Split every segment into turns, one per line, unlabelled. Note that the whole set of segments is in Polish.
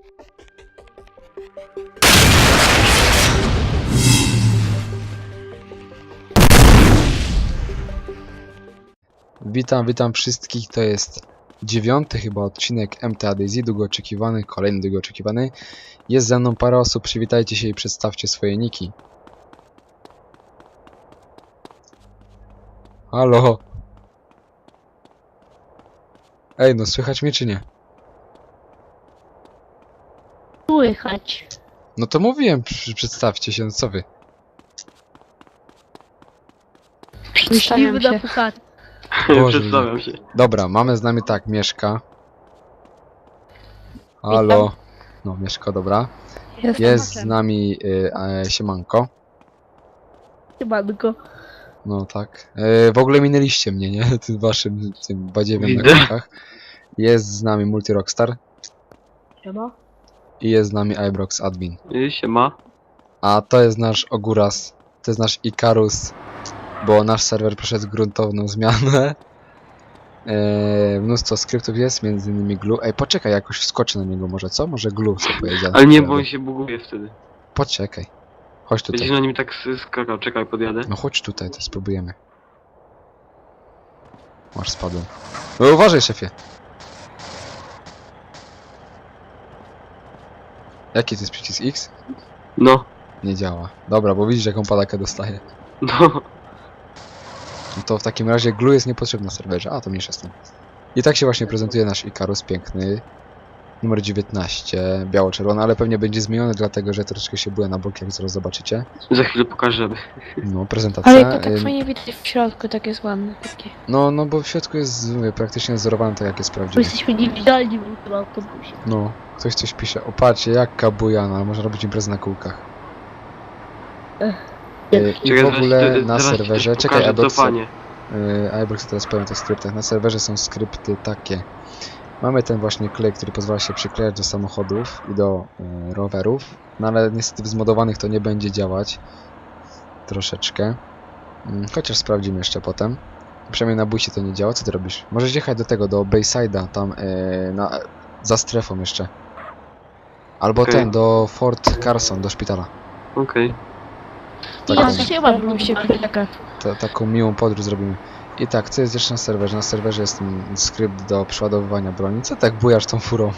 Witam wszystkich, to jest 9. chyba odcinek MTA DayZ, długo oczekiwany, kolejny długo oczekiwany. Jest ze mną parę osób, przywitajcie się i przedstawcie swoje niki. Halo? Ej, no słychać mnie czy nie?
Słychać.
No to mówiłem, przedstawcie się, no co wy?
Myśliwy na puchar.
Boże,
Przedstawiam się.
Dobra, mamy z nami tak, Mieszka. Halo? No, Mieszko, dobra. Jest z nami Siemanko.
Siemanko.
No tak. W ogóle minęliście mnie, nie? Tym waszym, tym badziewiem na
Widzę.
kółkach. Jest z nami Multi Rockstar.
Siema.
I jest z nami Ibrox Admin.
Siema.
A to jest nasz Oguras. To jest nasz Ikarus. Bo nasz serwer przeszedł gruntowną zmianę. Mnóstwo skryptów jest, między innymi Glue. Ej, poczekaj, jakoś wskoczę na niego może, co? Może Glue sobie pojedzie.
Ale nie, bo on się buguje wtedy.
Poczekaj. Chodź tutaj.
Będziesz na nim tak skakał, czekaj, podjadę.
No chodź tutaj, to spróbujemy. Masz, spadłem. No uważaj, szefie. Jaki to jest przycisk X?
No,
Nie działa. Dobra, bo widzisz jaką palakę dostaję.
no.
No to w takim razie glue jest niepotrzebny na serwerze. A, to mniejsza z tym. I tak się właśnie prezentuje nasz Ikarus piękny. Numer 19, biało-czerwony, ale pewnie będzie zmieniony, dlatego że troszeczkę się byłem na bok, jak zaraz zobaczycie.
Za chwilę pokażemy.
No, prezentacja.
Ale to tak fajnie widać w środku, tak jest ładne takie.
No bo w środku jest, mówię, praktycznie wzorowane tak jak jest
Bo
prawdziwe.
jesteśmy niewidzialni w tym autobusie.
No, ktoś coś pisze. O, patrzcie, jaka bujana, można robić imprezę na kółkach. I w ogóle na serwerze, czekaj, Ibrox teraz powiem o tych skryptach. Na serwerze są skrypty takie. Mamy ten właśnie klej, który pozwala się przyklejać do samochodów i do rowerów. No ale niestety w zmodowanych to nie będzie działać. Troszeczkę. Chociaż sprawdzimy jeszcze potem. Przynajmniej na busie to nie działa. Co ty robisz? Możesz jechać do tego, do Bayside'a, tam za strefą jeszcze. Albo
Okej.
ten, do Fort Carson, do szpitala.
Okej.
Taką,
Ja się mam
taką miłą podróż zrobimy. I tak, co jest jeszcze na serwerze? Na serwerze jest skrypt do przeładowywania broni. Co tak bujasz tą furą?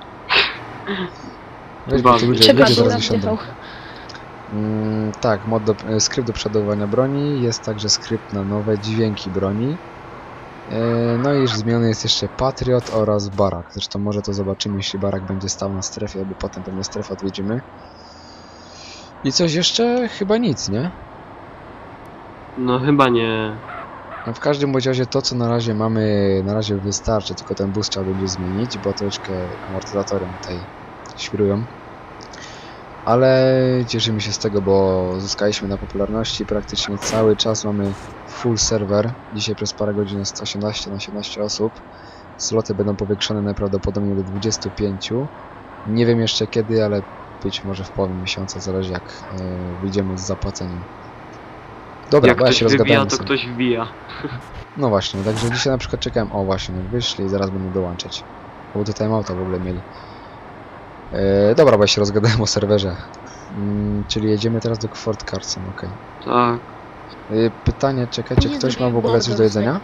Weź, bo tu ludzie zaraz wysiądą. Tak, skrypt do przeładowywania broni. Jest także skrypt na nowe dźwięki broni. No i zmieniony jest jeszcze Patriot oraz Barak. Zresztą może to zobaczymy, jeśli Barak będzie stał na strefie, albo potem pewnie strefę odwiedzimy. I coś jeszcze? Chyba nic, nie?
No chyba nie.
No w każdym bądź razie to, co na razie mamy, na razie wystarczy, tylko ten bus trzeba będzie zmienić, bo troszeczkę amortyzatory tutaj świrują. Ale cieszymy się z tego, bo zyskaliśmy na popularności, praktycznie cały czas mamy full serwer. Dzisiaj przez parę godzin jest 18 na 17 osób. Sloty będą powiększone najprawdopodobniej do 25. Nie wiem jeszcze kiedy, ale być może w połowie miesiąca, zależy jak wyjdziemy z zapłaceniem. Dobra,
Jak
bo ja
ktoś
się
wybija,
rozgadałem
to
sobie.
ktoś wbija.
No właśnie, także dzisiaj na przykład czekałem, o właśnie, wyszli i zaraz będą dołączać. Bo tutaj auta w ogóle mieli. Dobra, bo ja się rozgadałem o serwerze. Czyli jedziemy teraz do Fort Carson, okej.
Tak.
Pytanie, czekajcie, ktoś ma w ogóle coś do jedzenia?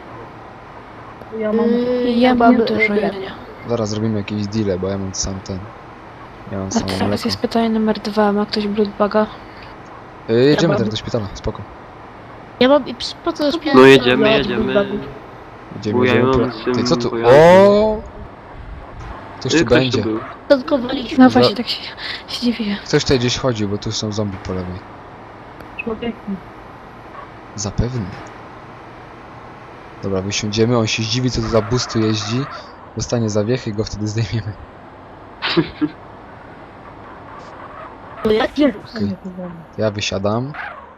Ja mam dużo jedzenia.
Zaraz zrobimy jakiś deal, bo ja mam sam ten. Ja mam
A
samo
teraz
mleko.
jest pytanie numer 2, ma ktoś bloodbaga?
Jedziemy
mam.
teraz do szpitala, spoko.
Ja mam i po co
No jedziemy.
Jedziemy.
Bujającym
Ty, co tu?
pojazdem.
O! Ktoś tu
Ktoś
będzie.
tu był.
Tankowaliśmy.
No właśnie, tak się dziwię.
Ktoś tutaj gdzieś chodzi, bo tu są zombie po lewej. Zapewne. Dobra, wysiądziemy, on się zdziwi, co to za bus tu jeździ. Dostanie zawiechy i go wtedy zdejmiemy. Okej. Ja wysiadam.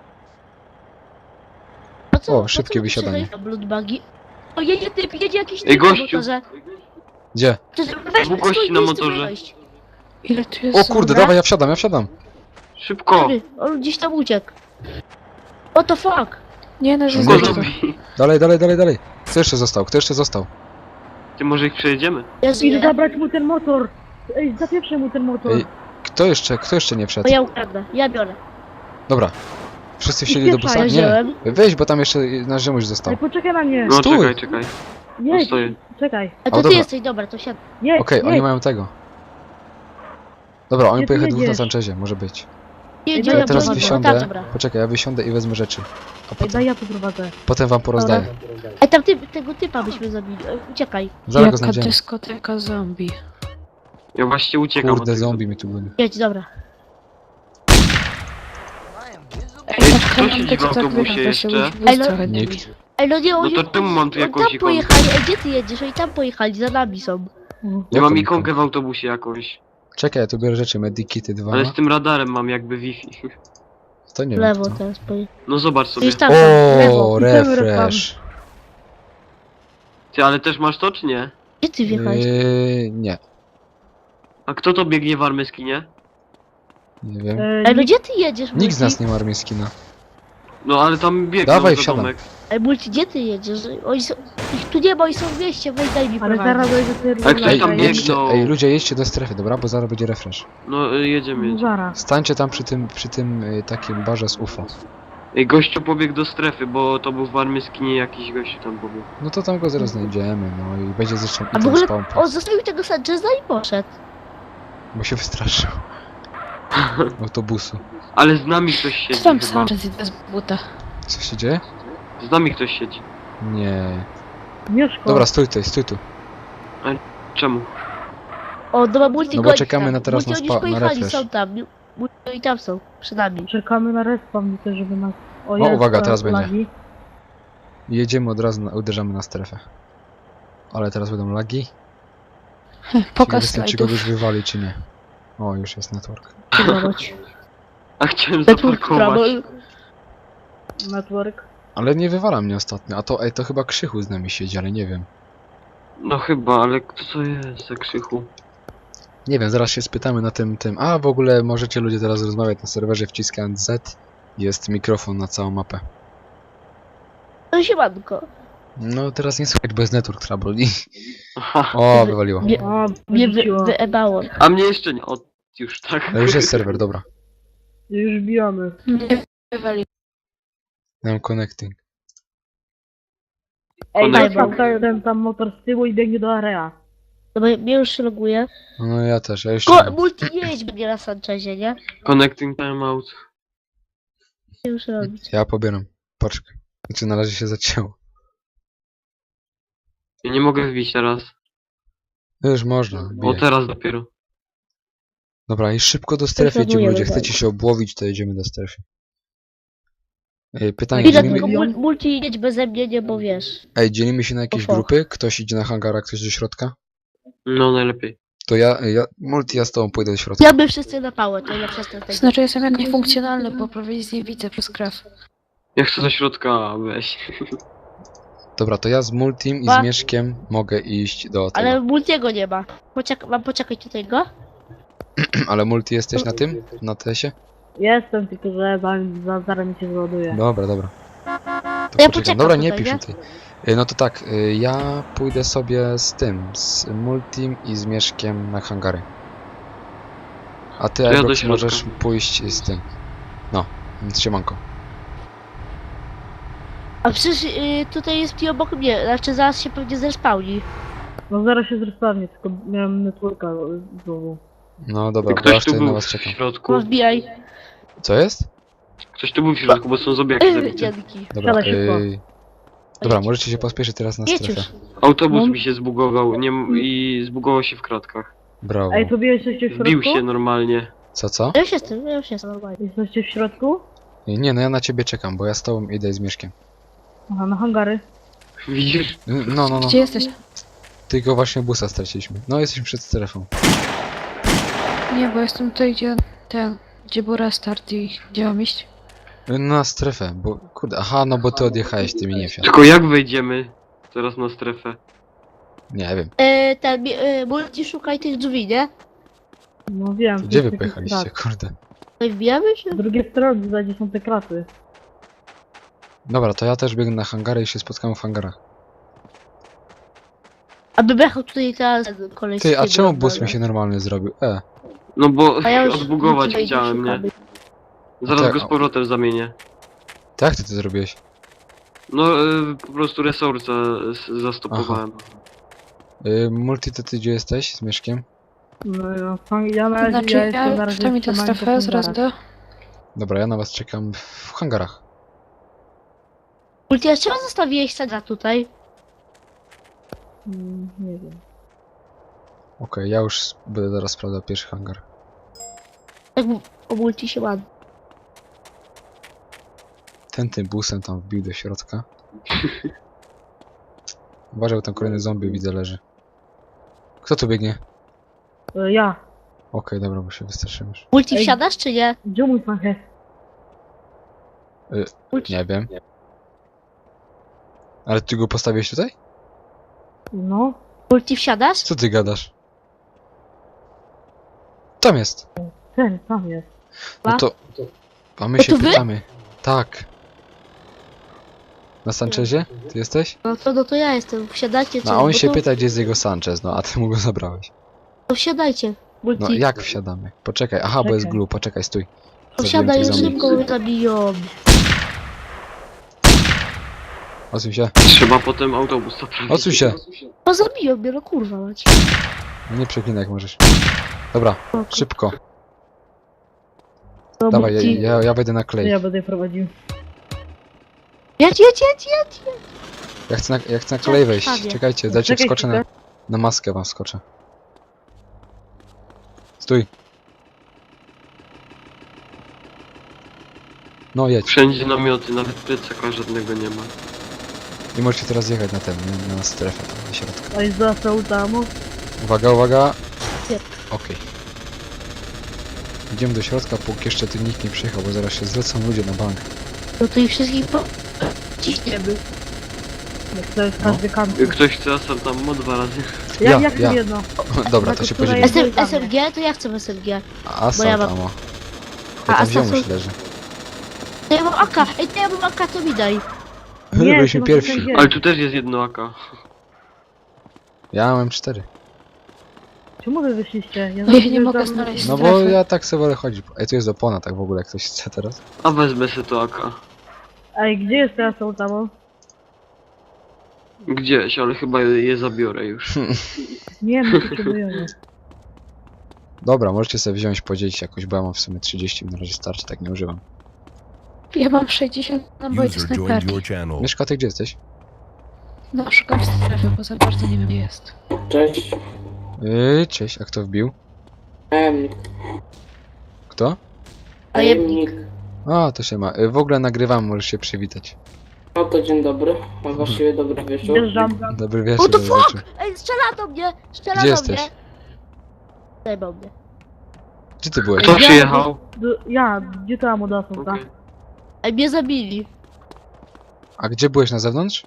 O, szybkie wysiadanie.
Bloodbagi. O, jedzie typ, jedzie jakiś
Ej,
typ na
gościu.
motorze.
Gdzie?
Weź,
Dwóch gości na motorze.
Ile tu jest?
O kurde, dawaj, ja wsiadam.
Szybko!
On gdzieś tam uciekł. What the fuck?
Nie, no, że
Szybko,
Szybko
Dobra.
zombie.
Dalej. Kto jeszcze został?
Ty może ich przejedziemy?
Ja żyję.
Idź zabrać mu ten motor! Ej, zapieprzę mu ten motor.
Ej, kto jeszcze nie wszedł?
To ja ukradnę, ja biorę.
Dobra. Wszyscy wsiedli do busa?
Ja
Nie.
wziąłem.
Weź, bo tam jeszcze nasz ziomuś został.
Ej, poczekaj na mnie.
No
Stój.
czekaj.
Jedź,
stoję.
czekaj.
A
O,
to ty
dobra.
jesteś, dobra, to siadaj.
Jedź,
Okej, oni
jedź.
mają tego. Dobra, oni
Gdzie ty
pojechali dwóch na
jedziesz?
Sanchezie, może być.
Jedzie,
Ja
Ja teraz
prowadzę.
wysiądę.
dobra.
Poczekaj, ja wysiądę i wezmę rzeczy. A
Ej,
potem,
daj ja tu prowadzę.
potem wam porozdaję.
Ej, tam tego typa byśmy zabili. Uciekaj.
Zaraz go
Jaka
znajdziemy.
dyskoteka zombie.
Ja właśnie uciekam od
Kurde,
tego.
zombie mi tu goni.
Jedź, dobra.
Ej,
Ej,
tak
kto
nam
siedzi
to
w
co tak
autobusie
wygląda,
jeszcze?
się bus
Ej, no-
trochę
Nikt.
dymi.
Ej, no nie,
No
oni,
to czemu mam tu
oni
jakąś
tam
ikonkę?
pojechali. Ej, gdzie ty jedziesz? Oni tam pojechali, za nami są.
Ja
Jaką
mam
ikonkę?
ikonkę w autobusie jakąś.
Czekaj, ja tu biorę rzeczy, medikity 2.
Ale z tym radarem mam jakby Wi-Fi.
To nie
W lewo
wiem.
teraz pojechali.
No zobacz sobie.
Gdzieś tam, w lewo.
O,
Idziemy
refresh.
Ty, ale też masz to czy nie?
Gdzie ty wjechałeś?
Nie,
A kto to biegnie w armii skinie?
nie wiem.
Ej, no gdzie ty jedziesz,
Nikt z nas
Multi?
nie ma armii skina.
No ale tam biegną
Dawaj,
za
wsiadam.
domek.
Ej, Multi, gdzie ty jedziesz? Oni są... Ich tu nie ma, oni są w mieście, weź daj mi
Ale
prowadzić.
zaraz dojdę sobie
Ale ktoś
Ej,
tam biegnie.
ej, ludzie, jedźcie do strefy, dobra? Bo zaraz będzie refresh.
No jedziemy.
Zaraz.
Stańcie tam przy tym takim barze z UFO.
Ej, gościu pobiegł do strefy, bo to był w armii skinie jakiś gościu tam pobiegł.
No to tam go zaraz znajdziemy, no i będzie zresztą
A w
item
ogóle
spawn,
on zostawił tego Sancheza i poszedł.
bo się wystraszył. Autobusu.
Ale z nami ktoś siedzi
Co tam
chyba.
Sanchez idę z buta?
Co się dzieje?
Z nami ktoś siedzi.
Nie.
Mieszko.
Dobra, stój tu.
Czemu?
O, dobra, Multi
No bo
goni
czekamy
tam.
na teraz
Multi,
na
oni już pojechali,
refresh.
są tam. Multi, oni tam są, przed nami.
Czekamy na respawn też, żeby nas... O,
uwaga, teraz będzie.
lagi.
Jedziemy od razu, uderzamy na strefę. Ale teraz będą lagi.
Pokaż
Ciekawe, czy
slajdów.
kogoś wywali, czy nie. O, już jest network.
Próbować.
A chciałem
Network prawo.
zaparkować.
Network.
Ale nie wywala mnie ostatnio. A to, to chyba Krzychu z nami siedzi, ale nie wiem.
No chyba, ale kto to jest za Krzychu?
Nie wiem, zaraz się spytamy na tym. A w ogóle możecie ludzie teraz rozmawiać na serwerze wciskając Z. Jest mikrofon na całą mapę.
No siemanko.
No teraz nie słychać, bo jest network trouble.
Aha.
O, wywaliło.
Nie,
O,
mnie
wyrzuciło.
wyebało.
A mnie jeszcze nie. O, już tak.
Ale już jest serwer, dobra.
Już bijamy.
Nie wywali.
Mam connecting.
Ej,
Konektor.
tam, ten tam motor z tyłu i biegnie do area.
Dobra, mnie już się loguje.
No ja też, ja jeszcze.
Multi nie jedź mnie na Sanchezie, nie?
Connecting timeout.
Nie już robić.
Ja pobieram. Poczekaj. Znaczy na razie się zacięło.
Ja nie mogę wbić teraz.
No już można.
O,
bijaj.
teraz dopiero.
Dobra, i szybko do strefy
Zagłujemy
jedziemy ludzie.
bardzo.
Chcecie się obłowić, to jedziemy do strefy. Pytanie,
Chwilę,
dzielimy,
tylko Multi jedź beze mnie, nie, bo wiesz.
dzielimy się na jakieś
Ufo.
grupy? Ktoś idzie na hangar, a ktoś do środka?
No najlepiej.
To ja z tobą pójdę do środka.
Ja by wszyscy na pałę, to ja przez ten
Znaczy jestem jak niefunkcjonalny, bo prawie nic nie widzę przez krew.
Ja chcę do środka weź.
Dobra, to ja z Multim i
Ba-
z Mieszkiem mogę iść do tego.
Ale Multiego nie ma. Mam poczekać tutaj go?
Ale Multi jesteś na tym? Na TS-ie?
Jestem, tylko że zaraz mi się załaduje.
Dobra. To
Ja
poczekam.
poczekam
Dobra, nie
tutaj,
pisz
nie?
tutaj. No to tak, ja pójdę sobie z tym, z Multim i z Mieszkiem na hangary. A ty,
ja do
Ibrox,
środka.
możesz pójść z tym. No, siemanko.
A przecież tutaj jest ti obok mnie, znaczy zaraz się pewnie zespałni.
No zaraz się zrespawnie, tylko miałem networka znowu.
No dobra, bo ja
Ktoś tu
wtedy na
był
was
w
czekam.
środku.
No wbijaj.
Co jest?
Ktoś tu był w środku, bo są zombiaki zabite.
Dzięki.
Dobra,
Siadaj szybko.
dobra, możecie się pospieszyć teraz na
Jedź
strefę.
już.
Autobus
No.
mi się zbugował i zbugował się w kratkach.
Brawo.
Ej, to wy jesteście w
Wbił
środku?
się normalnie.
Co?
Ja już jestem normalnie.
Jesteście w środku?
Nie, no ja na ciebie czekam, bo ja z tobą idę z Mieszkiem.
Aha, na hangary.
Widzisz?
No.
Gdzie jesteś?
Tylko właśnie busa straciliśmy. No, jesteśmy przed strefą.
Nie, bo jestem tutaj, gdzie był restart i gdzie mam iść?
Na strefę, bo kurde, aha, no bo ty odjechałeś, ty mi nie wsiadł.
Tylko jak wejdziemy teraz na strefę?
Nie wiem.
Multi szukaj tych drzwi, nie?
No wiem.
Gdzie
to
wy
jest
pojechaliście,
taki krat.
kurde?
No i wbijamy się?
Z drugiej strony, za gdzie są te kraty.
Dobra, to ja też biegnę na hangary i się spotkamy w hangarach.
Aby jechał tutaj teraz koleś z
Ty, a
tyłu,
czemu bus
dobra.
mi się normalnie zrobił?
No bo
A ja już
odbugować
tutaj
chciałem, nie?
szukamy.
Zaraz
Tak,
go z powrotem zamienię.
Tak, jak ty to zrobiłeś?
No po prostu resorca zastopowałem.
Multi, to ty gdzie jesteś z Mieszkiem?
No, ja na razie
Znaczy,
ja jestem na
ja
razie
przynajmniej tę
trzymany
strefę,
w
zaraz
hangarach.
do...
Dobra, ja na was czekam w hangarach.
Multi, a czemu zostawiłeś Sandra tutaj?
Nie wiem.
Okej, ja już będę zaraz sprawdzał pierwszy hangar.
Tak o Multi się ładnie.
Ten tym busem tam wbił do środka. Uważaj, bo tam kolejny zombie widzę leży. Kto tu biegnie?
Ja.
Okej, dobra, bo się wystraszyłem już.
Multi,
Ej.
wsiadasz czy nie?
Gdzie mój pan jest?
Multi.
Nie wiem. Ale ty go postawiłeś tutaj?
No.
Multi, wsiadasz?
Co ty gadasz? Tam jest.
Ten, tam jest.
No to... A my
To
się
wy?
pytamy. Tak. Na Sanchezie? Ty jesteś?
No to ja jestem. Wsiadajcie czy
No a on
bo
się
to,
pyta, gdzie jest jego Sanchez, no a ty mu go zabrałeś.
To wsiadajcie. Multi.
No jak wsiadamy? Poczekaj, aha, bo jest
Czekaj.
glue, poczekaj, stój.
To
Zabiłem
wsiadaj,
tych zombie.
szybko mnie zabiją.
Odsuń się,
Trzeba potem autobus naprawić.
odsuń się!
No zabiją mnie, no kurwa mać.
Nie przeklinaj jak możesz. Dobra, szybko.
No,
Dawaj,
Multi.
ja wejdę na
To
klej.
ja będę prowadził.
Jedź.
Ja chcę na klej wejść.
Prawie.
Czekajcie, dajcie
Czekaj
wskoczę
chwilę.
na maskę wam wskoczę. Stój. No jedź.
Wszędzie namioty, nawet plecaka żadnego nie ma.
I możecie teraz jechać na ten, nie? Na strefę tam do środka.
A jest został tam.
Uwaga, uwaga.
Nie.
Okej. Idziemy do środka, póki jeszcze tu nikt nie przyjechał, bo zaraz się zlecą ludzie na bank.
No to i wszystkich ciśniemy.
Jak to jest
No.
każdy kanty.
Ktoś chce asalt tam mo 2 razy.
Ja chcę jedno.
Dobra, to się
która
podzielimy.
jest-
SMG? To ja chcę SMG.
Asalt,
ja mam-
amo.
A
Ja tam
asalt
ziomuś
są-
leży.
To ja mam AK. Ej, to ja mam AK, to mi daj.
Byliśmy
to
pierwsi.
SMG.
Ale tu też jest jedno AK.
Ja mam 4.
Czemu wy wyszliście?
No ja nie mogę znaleźć
No
strefy.
bo ja tak sobie wolę chodzić. Ej, tu jest opona, tak w ogóle, jak ktoś chce teraz.
A wezmę se to AK.
Ej, gdzie jest teraz tam?
Gdzieś, ale chyba je zabiorę już.
Nie, my potrzebujemy.
Dobra, możecie sobie wziąć, podzielić jakoś, bo ja mam w sumie 30, na razie starczy, tak nie używam.
Ja mam 60 naboi do
User joined
snajperki.
your channel.
Mieszka, ty gdzie jesteś?
No, szukam strefy, bo za bardzo nie wiem gdzie jest.
Cześć.
Cześć, a kto wbił?
Tajemnik.
Kto?
Tajemnik.
A, to się ma. W ogóle nagrywam, możesz się przywitać.
No to dzień dobry, a właściwie dobry wieczór.
Wjeżdżam.
Dobry
What
wieczór,
the
dobry wieczór.
Ej, strzela do mnie! Strzela
Gdzie
do
jesteś?
mnie! Zajebał mnie.
Gdzie ty byłeś?
Kto przyjechał?
Ja, gdzie to amo do Assaulta?
Okej.
Ej, mnie zabili.
A gdzie byłeś, na zewnątrz?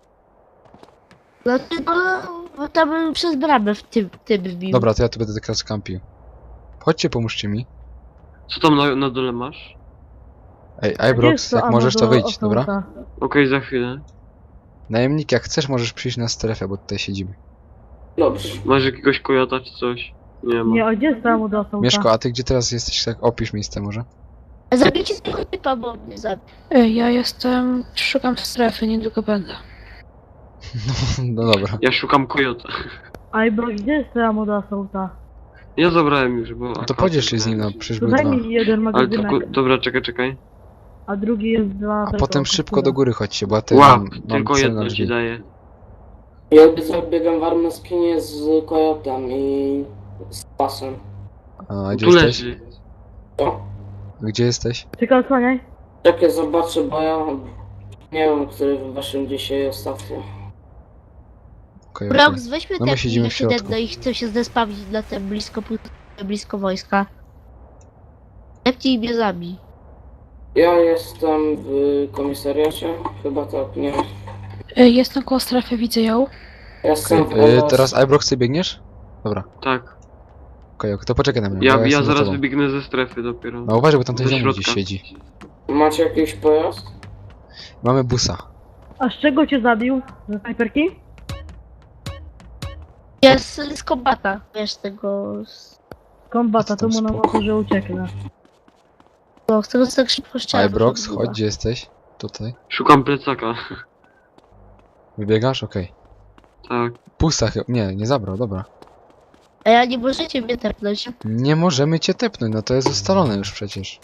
No ty, no tam przez bramę w tym wbił.
Dobra, to ja tu będę teraz kampił. Chodźcie, pomóżcie mi.
Co tam na dole masz?
Ej,
Gdzie
Ibrox,
jest to
jak
amo
możesz, to
do
wyjdź, dobra?
Assaulta?
Okej, za chwilę.
Najemnik, jak chcesz, możesz przyjść na strefę, bo tutaj siedzimy.
Dobrze.
Masz jakiegoś kojota czy coś? Nie ma.
Nie, a gdzie jest to amo do Assaulta?
Mieszko, a ty gdzie teraz jesteś? Tak, opisz miejsce może.
Zabijcie tego typa, bo mnie zabił.
Ja jestem... szukam strefy, niedługo będę.
No dobra.
Ja szukam kojota.
Ej, bro, gdzie jest to amo do Assaulta?
Ja zabrałem już, bo...
No to
AK
podziel się z nim, no
zabrałem.
przecież
To
były
daj
dwa.
mi jeden
Ale to...
magazynek,
Dobra, czekaj.
a drugi jest dla...
A potem szybko do góry chodźcie, bo ja tutaj
Łap,
mam
tylko
cel na
jedno ci
drzwi.
daję.
Ja biegam w armyskinie z kojotem i z pasem.
A gdzie
Tu
jesteś?
leży.
Co?
Gdzie jesteś?
Czekaj, osłaniaj.
Czekaj, zobaczę, bo ja nie wiem, który w waszym dzisiaj ostatnio.
Okej, okej.
Brox, weźmy
No my
te
siedzimy w środku.
jedno i chcę się zespawnić na tym blisko wojska. Lepcie mnie zabij.
Ja jestem w komisariacie, chyba tak, nie.
Jestem koło strefy, widzę ją.
Ja jestem w
Teraz Ibrox, ty biegniesz? Dobra, okej, to poczekaj na mnie. bo
Ja
jestem za
zaraz
tobą.
wybiegnę ze strefy dopiero.
No uważaj, bo tam ten
Do
ziomuś gdzieś
środka.
siedzi.
Macie jakiś pojazd?
Mamy busa.
A z czego cię zabił? Ze snajperki?
Jest z kombata, wiesz, tego...
Kombata, to
Co tam
mu na
spoko.
że ucieknę.
No, z tego co tak szybko strzelam.
Ibrox, chodź, gdzie jesteś? Tutaj.
Szukam plecaka.
Wybiegasz? Okej.
Tak.
Pusta chyba. Nie, nie zabrał, dobra.
A ja nie możecie mnie tepnąć.
Nie możemy cię tepnąć, no to jest ustalone już przecież.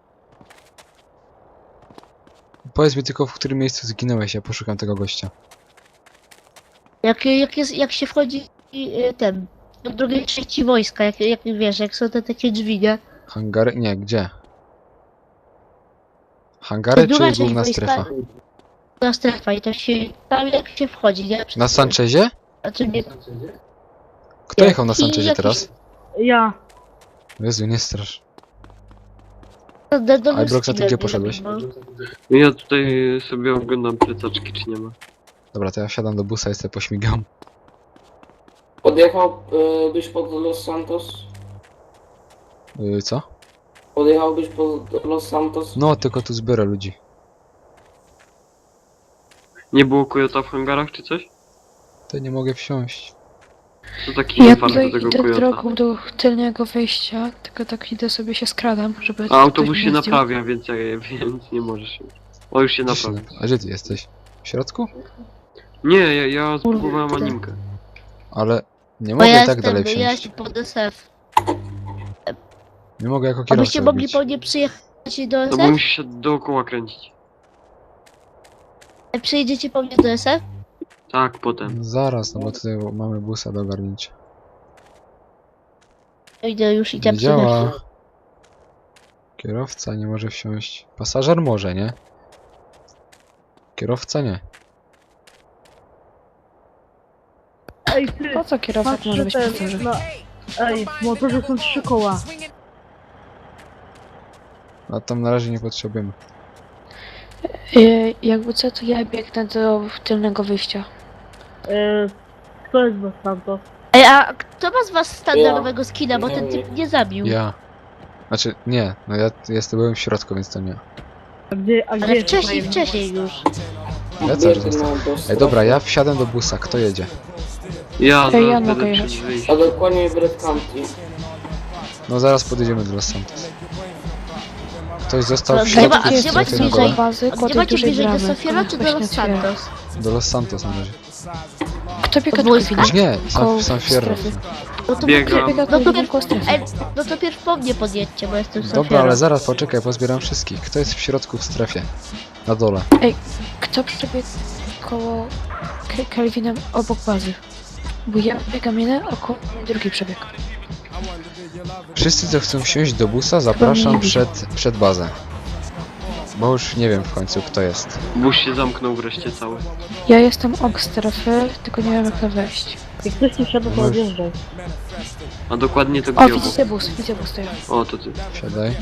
Powiedz mi tylko, w którym miejscu zginąłeś, ja poszukam tego gościa.
Jak się wchodzi ten... Do drugiej części wojska, jak wiesz, jak są te takie drzwi, nie?
Hangary? Nie, gdzie? Hangary
druga
czy
część
główna
wojska-
strefa?
Ta strefa i to się... Tam jak się wchodzi, nie?
Na Sanchezie?
Znaczy nie...
Kto
Nie.
jechał na
I
Sanchezie
jakiś-
teraz?
Ja.
Jezu, nie strasz.
Do
Ibrox, a ty
Luski
gdzie
mnie
poszedłeś?
zabiło.
Ja tutaj sobie oglądam plecaczki, czy nie ma.
Dobra, to ja wsiadam do busa i sobie pośmigam.
Podjechałbyś pod Los Santos?
Co?
Podjechałbyś pod Los Santos?
No, tylko tu zbiorę ludzi.
Nie było kojota w hangarach, czy coś?
To nie mogę wsiąść.
To taki
Ja
infarkt
tutaj
do tego
idę
kojota.
drogą do tylnego wejścia, tylko tak idę sobie się skradam, żeby...
A autobus
ktoś
się
mnie zdjął.
naprawia, więc nie możesz. O, już się
Gdzie się
naprawił.
A gdzie ty jesteś? W środku?
Nie, ja spróbowałem
Kurde.
animkę.
Ale nie
Bo
mogę
ja
i tak dalej
jestem, ja
wsiąść.
jestem pod SF.
Nie mogę jako
Abyście
kierowca
mogli
robić.
po nie przyjechać do
No bo
SF?
musisz się dookoła kręcić.
Przyjedziecie po mnie do SF?
Tak, potem.
Zaraz, no bo tutaj mamy busa do ogarnięcia.
Idę już i tam
Nie działa. Kierowca nie może wsiąść. Pasażer może, nie? Kierowca nie.
Ej, ty.
Po co kierowca
Patrz,
może
że
być
ten,
pasażer?
Ej, w motorze są 3 koła.
A tam na razie nie potrzebujemy.
Jakby co, to ja biegnę do tylnego wyjścia.
Kto jest Los Santos?
Ej, a kto ma z was standardowego skina, bo ten typ mnie zabił?
Ja. Znaczy, nie. No ja byłem w środku, więc to nie.
A gdzie
Ale
jest
wcześniej już.
Ja cały czas
Biegnę
jestem.
do
Ej,
strefy.
dobra, ja wsiadam do busa. Kto jedzie?
Ja
Ej, ja
zaraz
mogę
będę
jechać.
przed wyjściem.
A dokładnie Bread County.
No zaraz podjedziemy do Los Santos. Ktoś został w
Gdzie
środku
ma-
w
gdzie macie
strefie na
bliżej?
dole.
bazy,
A
koło
gdzie
tej
macie
dużej
bliżej, do
bramy.
Sofiera czy do
Właśnie
Los
otwieram.
Santos?
Do Los Santos na razie.
Kto biega
Od
do
wojska?
Kowina?
Nie,
Koło
sam Fierro.
strefy.
No to
Biegam.
Biega
No to
do
pierw,
koło strefy.
ej, no to pierw po mnie podjedźcie, bo jestem
Dobra,
Sofiera.
ale zaraz poczekaj, pozbieram wszystkich. Kto jest w środku w strefie? Na dole.
Kto przebiegł koło Kelvinem obok bazy? Bo ja biegam jeden, a koło mnie drugi przebieg.
Wszyscy, co chcą wsiąść do busa, zapraszam przed bazę. Bo już nie wiem w końcu, kto jest.
Bus się zamknął wreszcie cały.
Ja jestem obok strefy, tylko nie wiem jak to wejść.
Jak ktoś nie wsiada, to
No.
odjeżdżaj.
A dokładnie to
O,
gdzie obok?
widzę bus, to ja.
O, to ty.
Siadaj.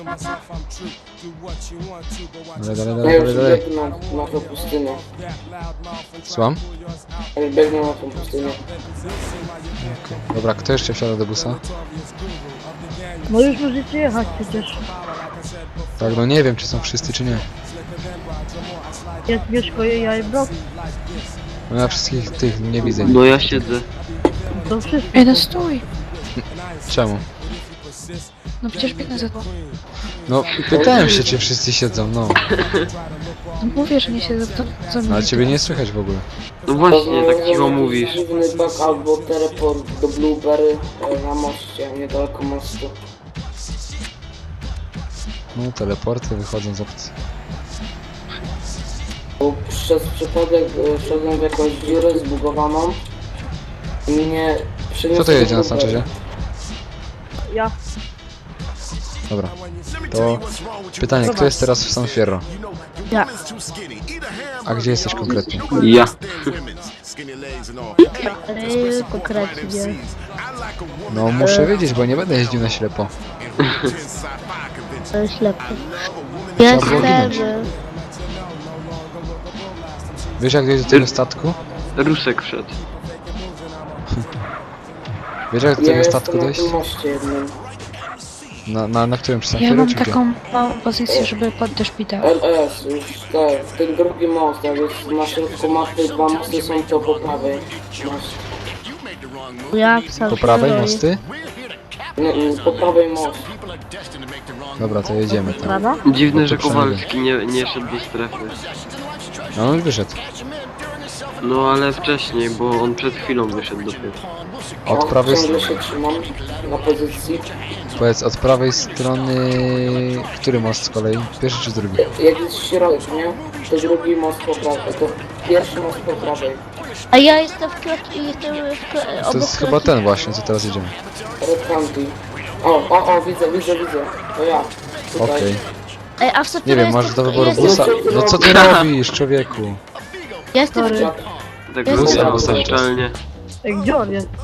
Dalej, dalej,
Ja
dalej,
już
dalej, dalej.
biegnę na tą pustynię.
Słucham?
Ja już biegnę na tą pustynię.
Dobra, kto jeszcze wsiada do busa?
No już możecie jechać przecież.
Tak, no nie wiem, czy są wszyscy, czy nie.
Jest Mieszko i ja i Brock.
No ja wszystkich tych nie widzę.
No ja siedzę.
To wszyscy.
Ej, no stój!
Czemu?
No przecież biegnę za tobą.
No, pytałem się, czy wszyscy siedzą, no.
No mówię, że nie siedzę za mną.
Ale ciebie nie słychać w ogóle.
No właśnie, tak cicho mówisz.
Dziwny bug albo teleport do Blueberry na moście, niedaleko mostu.
No, teleporty wychodzą z opcji.
Bo przez przypadek wszedłem w jakąś dziurę zbugowaną i mnie przeniosło
Kto to jedzie
do
na
Blueberry.
Sanchezie?
Ja.
Dobra. To pytanie, kto jest teraz w San Fierro?
Ja.
A gdzie jesteś konkretnie?
Ja.
Konkretnie.
No, muszę wiedzieć, bo nie będę jeździł na ślepo.
To jest ślepy.
było
Jestem...
ginąć. Wiesz, jak dojść do tego statku?
Rusek wszedł.
Wiesz, jak do
Ja
tego
jestem
statku
na
dojść?
tym moście jednym.
Na którym? Przy San
Ja
Fierro,
mam
czy gdzie?
taką małą pozycję, żeby podejść szpital.
LS, już tak, ten drugi most, jak jest na środku mapy, dwa mosty są to po prawej. Masz.
Ja w San
Po prawej
Fierro
mosty?
Po prawej most.
Dobra, to jedziemy tam.
Prawa?
Dziwne,
No to
że
przynajmniej.
Kowalski nie szedł do strefy.
No on wyszedł.
No ale wcześniej, bo on przed chwilą wyszedł dopiero.
Od prawej
Ciągle
strony.
się trzymam na pozycji.
Powiedz, od prawej strony... Który most z kolei? Pierwszy czy drugi?
Jak jest środek, nie? To drugi most po prawej. To pierwszy most po prawej.
A ja jestem w klaki, jestem w
To jest chyba ten właśnie, co teraz jedziemy.
Red County. O, widzę. To ja. Tutaj.
Okej.
Ej, a w San
Nie
Fierro
wiem, masz
jestem,
do wyboru
jestem,
busa. No co ty robisz, człowieku?
ja jestem w
Sorry.
Tak
Jest
wrócił
tam.
szczelnie.
Ej, gdzie on jest?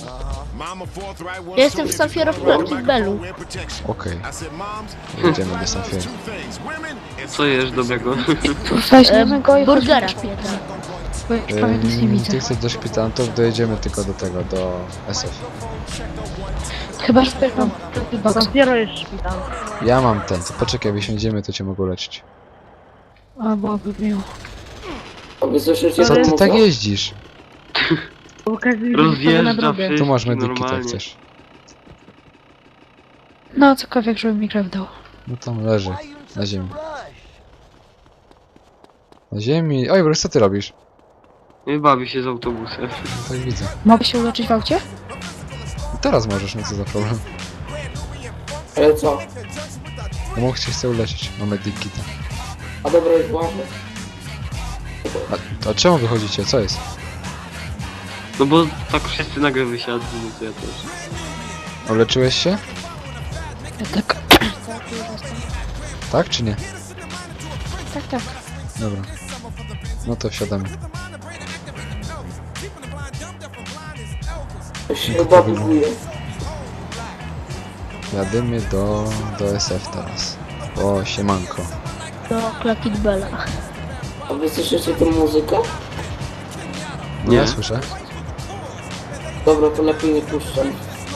Ja jestem w San Fierro w Clockit Bellu.
Okej. Jedziemy do San Fierro.
Co jesz dobrego?
Weźmiemy go i
Burgera
chodźmy do
jeden.
szpitala, bo ja już prawie nic nie widzę.
Ty chcesz do szpitala, to dojedziemy tylko do tego, do SF.
Chyba, że zbieram do boxa.
San Fierro jest szpital.
Ja mam ten, to poczekaj, jak jedziemy, to cię mogę leczyć.
A, byłoby miło.
A wy słyszycie
Co
ten
ty
mózg?
tak jeździsz?
Bo każdy widzi na
Rozjeżdża
drogę.
wszystkich
Tu masz medykit, jak
normalnie.
chcesz.
No, cokolwiek, żeby mi krew dał.
No tam leży, na ziemi. Na ziemi... Oj, Bruce, co ty robisz?
Bawi się z autobusem.
Tak widzę.
Mogę się uleczyć w aucie?
Teraz możesz, no co za problem.
Ale co?
No mógł cię chce uleczyć, mam medykita.
A dobra, już właśnie.
A czemu wychodzicie? Co jest?
No bo tak wszyscy nagle wysiadli, no to ja też.
Uleczyłeś się?
Ja tak.
Tak czy nie?
Tak.
Dobra. No to wsiadamy.
To się chyba buguje.
Jadymy do SF teraz. O, siemanko.
Do Clockit Bella.
A wy słyszycie tę muzykę?
No
Nie.
ja słyszę.
Dobra, to lepiej nie puszczam.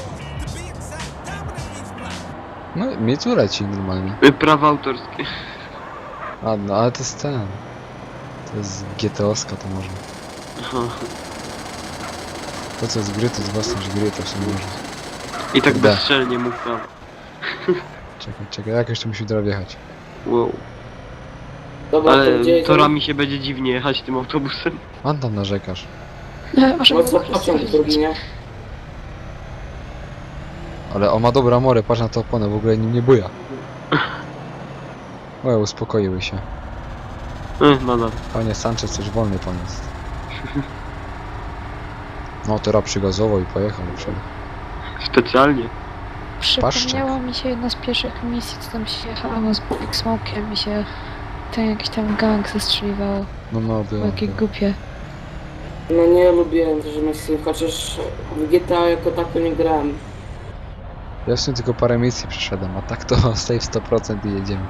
No, mi tu leci normalnie.
Prawa autorskie.
A, no ale to jest ten. To jest GTO-ska, to można.
Aha.
To co jest gry, to jest własność gry, to się nie można.
I tak
Da.
bezstrzelnie mógł prawo.
Czekaj, jak jeszcze musi teraz wjechać?
Wow.
Dobra, to
Ale
gdzie jedziemy?
torami się będzie dziwnie jechać tym autobusem.
Pan tam narzekasz.
Może
No co, pociąg drugi, nie?
Ale on ma dobre amory, patrz na to oponę, w ogóle nim nie buja. Łe, uspokoiły się.
Nadal.
Panie Sanchez, coś wolny pan jest. No, teraz przygazował i pojechał do przodu.
Specjalnie.
przypomniało mi się jedna z pierwszych misji, co tam się jechało z Big Smoke'iem i się ten jakiś tam gang zestrzeliwało.
No,
Było jakie głupie.
No nie lubiłem też misji, chociaż w GTA jako tako nie grałem.
Ja w sumie tylko parę misji przeszedłem, a tak to save 100% i jedziemy.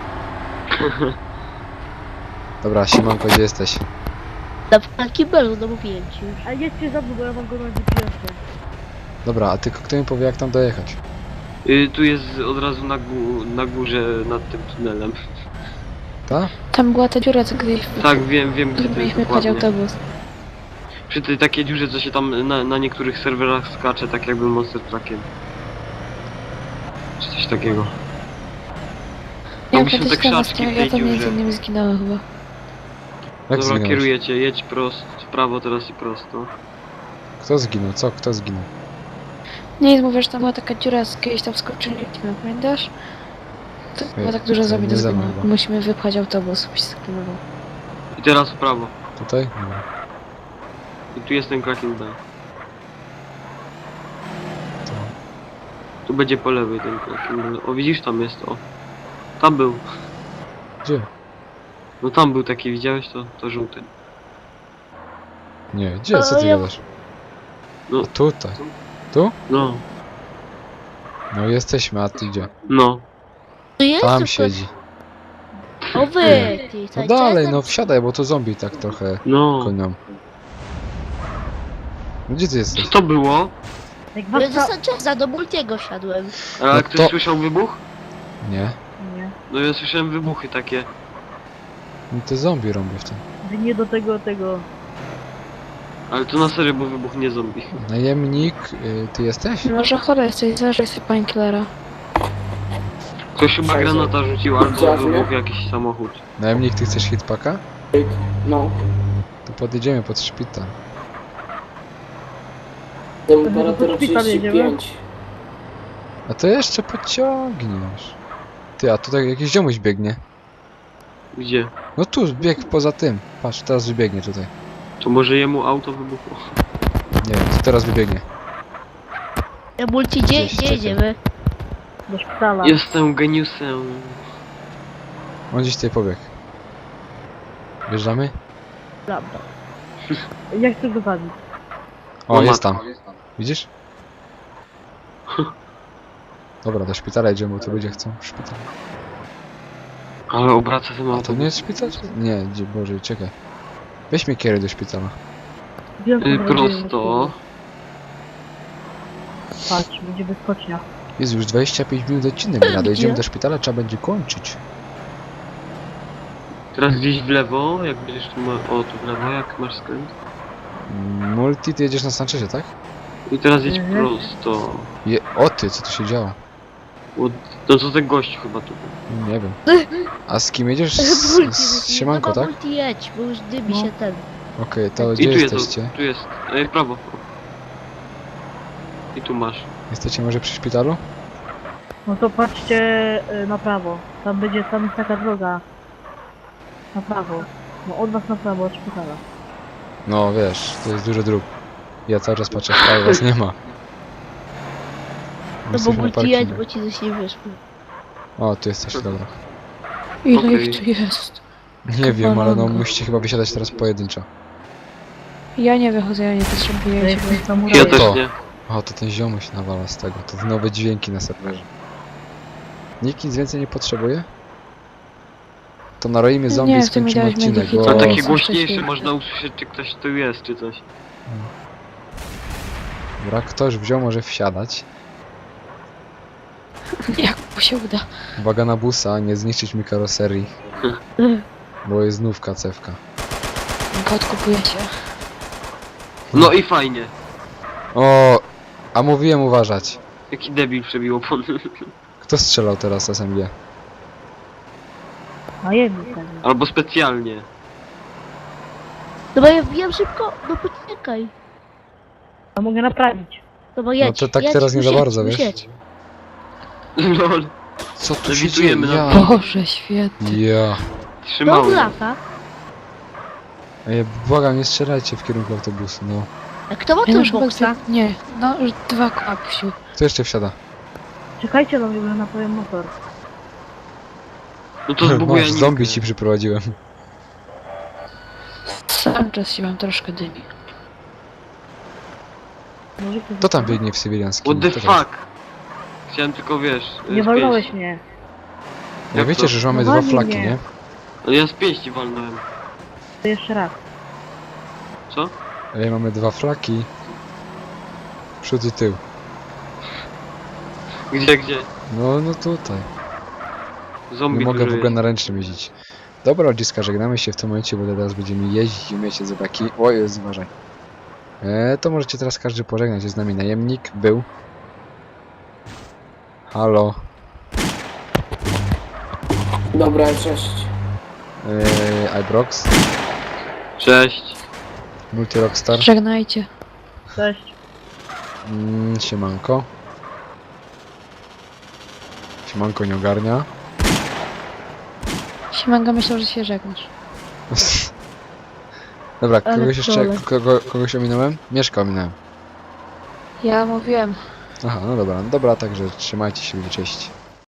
Dobra, siemanko, gdzie jesteś?
Na Clockit Bellu, no mówiłem ci już.
A jedźcie za mną, bo ja mam go na GPS-ie.
Dobra, a tylko kto mi powie, jak tam dojechać?
Tu jest od razu na górze nad tym tunelem.
Ta?
Tam była ta dziura, co gdzieś
Tak, wiem gdzie to jest
mieliśmy pchać
dokładnie.
autobus.
Przy tej takiej dziurze, co się tam na niektórych serwerach skacze, tak jakby Monster Truckiem. Czy coś takiego.
Ja
Mogliśmy
kiedyś
te
tam
krzaczki
ostatnio,
w tej
ja tam między
dziurze.
innymi zginąłem chyba.
Jak
Dobra,
zginąłeś?
kierujecie, jedź prosto, w prawo teraz i prosto.
Kto zginął? Co? Kto zginął?
Nie, mówię, że tam była taka dziura, z kiedyś tam skoczyli, pamiętasz? To było tak dużo
to
zombie do
nie ze mną
zgonu.
chyba.
Musimy wypchać autobus, byś skinował.
I teraz w prawo.
Tutaj? Dobra.
I tu jest ten Cracking Bell.
To...
Tu będzie po lewej ten Cracking Bell. O, widzisz, tam jest, o. Tam był.
Gdzie?
No tam był taki, widziałeś to żółty.
Nie, gdzie? Co ty
ja-
gadasz?
No.
A tutaj.
No,
No jesteśmy, a ty gdzie?
no.
Tu jest?
Tam
tylko-
siedzi.
O wy, ty,
No
słuchaj,
dalej,
czasem-
no wsiadaj, bo to zombie tak trochę
No.
konią. No gdzie ty jesteś?
Co to było?
Jak
Ja
was
do Sancheza, do Multiego siadłem.
A
No
ktoś
to-
słyszał wybuch?
Nie.
Nie.
No ja słyszałem wybuchy takie.
No to zombie robię w tym.
Wy nie do tego...
Ale to na serio, bo wybuchnie zombie.
Najemnik, ty jesteś?
Może chory jesteś, zażej sobie painkillera.
Ktoś chyba
Przejdzie.
granata rzucił, albo
Widziałeś mnie?
wybuchł jakiś samochód.
Najemnik, ty chcesz hitpaka?
No.
To podjedziemy pod szpital.
Temperatura
Do szpitala jedziemy?
35.
A to jeszcze pociągniesz. Ty, a tutaj jakiś ziomuś biegnie.
Gdzie?
No tu, bieg poza tym. Patrz, teraz wybiegnie tutaj.
To może jemu auto wybuchło?
Nie wiem, to teraz wybiegnie.
Multi,
Gdzieś,
gdzie
czekaj.
jedziemy?
Do szpitala.
Jestem geniusem.
On gdzieś tutaj pobiegł. Wjeżdżamy?
Dobra.
Ja chcę dosadzić.
O,
O,
jest
matko.
tam. Widzisz? Dobra, do szpitala idziemy, bo tu ludzie chcą w szpital.
Ale obraca ten
A to
auto.
nie jest szpital? Nie, Boże, czekaj. Weź mnie kieruj do szpitala.
Wiem, co zrobiłem.
Prosto.
Patrz, będzie wyskocznia.
Jest już 25 minut odcinek, gra.
Gdzie?
Dojedziemy do szpitala, trzeba będzie kończyć.
Teraz gdzieś w lewo, jak będziesz tu o, tu w lewo, jak masz skręt.
Multi, ty jedziesz na Sanchezie, tak?
I teraz jedź
Mhm.
prosto.
O ty, co tu się działo?
No to ten gość chyba tu był.
Nie wiem. A z kim jedziesz?
Multi,
Z Siemanko,
no,
tak?
Multi jedź, bo już dymi
No.
się ten.
Okej, to
I
gdzie
tu jest,
jesteście?
tu jest. Prawo. I tu masz.
Jesteście może przy szpitalu?
No to patrzcie na prawo. Tam jest taka droga. Na prawo. No od was na prawo, od szpitala.
No wiesz, to jest dużo dróg. Ja cały czas patrzę w prawo, was nie ma.
No bo
Jesteśmy na
multi jedź,
parkingu.
bo ci coś nie wyszło.
O, tu jesteś, dobra.
Ile
Okej.
ich tu jest?
Nie wiem, ale no
Kolanko.
musicie chyba wysiadać teraz pojedynczo.
Ja nie wychodzę, ja nie potrzebuję
Ja
ciebie.
jestem
Ja
samurajem.
też
to.
nie.
O, to ten ziomuś nawala z tego. To nowe dźwięki na serwerze. Nikt nic więcej nie potrzebuje? To naroimy zombie i
Nie, ty mi
skończymy
dałeś
odcinek,
medikit.
bo...
A
O,
takie
co
głośniejsze
wcześniej.
można usłyszeć, czy ktoś tu jest, czy coś.
Dobra, ktoś wziął, może wsiadać.
Jak mu się uda.
Uwaga na busa, nie zniszczyć mi karoserii. Bo jest znów kacewka.
Go odkupujecie.
No i fajnie.
O, a mówiłem uważać.
Jaki debil przebił opony.
Kto strzelał teraz SMG?
A jedni pewnie.
Albo specjalnie.
No bo ja wbijam szybko, no poczekaj.
A mogę naprawić.
No bo jedź,
to tak
jedź,
teraz nie za
jedź,
bardzo,
już
wiesz?
jedź.
Lol.
Co tu się dzieje?
Lewitujemy na-
Ja.
Boże święty.
Ja.
Do
Trzymałem.
lata.
Ej, błagam, nie strzelajcie w kierunku autobusu, no.
A kto ma
Ja
ten
już chyba
boksa?
nie, no już 2 koła puścił.
Kto jeszcze wsiada?
Czekajcie na mnie, bo naprawiam motor.
No to zbuguję
Masz, zombie ci przyprowadziłem.
Sam czas się wam troszkę dymi.
Może ktoś
Kto tam biegnie w cywilianskim?
What the
Kto to jest?
fuck? Chciałem tylko, wiesz...
Nie
z
walnąłeś
pięści.
mnie.
Ja
Jak
wiecie,
to?
że już mamy
No
dwa
walnij
flaki,
mnie.
nie?
Ale ja z pięści walnąłem.
To jeszcze raz.
Co?
Ej, mamy dwa flaki. Przód i tył.
Gdzie?
No zombie
Zombie
nie mogę
dużo
w ogóle
jest.
na ręcznym jeździć. Dobra, ludziska, żegnamy się w tym momencie, bo teraz będziemy jeździć i umiecie zobaki. O jest, uważaj. To możecie teraz każdy pożegnać. Jest z nami najemnik, był. Halo.
Dobra, cześć.
Ibrox.
Cześć.
Multi Rockstar.
Żegnajcie.
Cześć.
Siemanko. Siemanko nie ogarnia.
Siemanko, myślał, że się żegnasz.
Dobra,
Ale
kogoś jeszcze,
trole.
kogoś ominąłem? Mieszka ominąłem.
Ja mówiłem.
Aha, no dobra, także trzymajcie się, ludzie, cześć.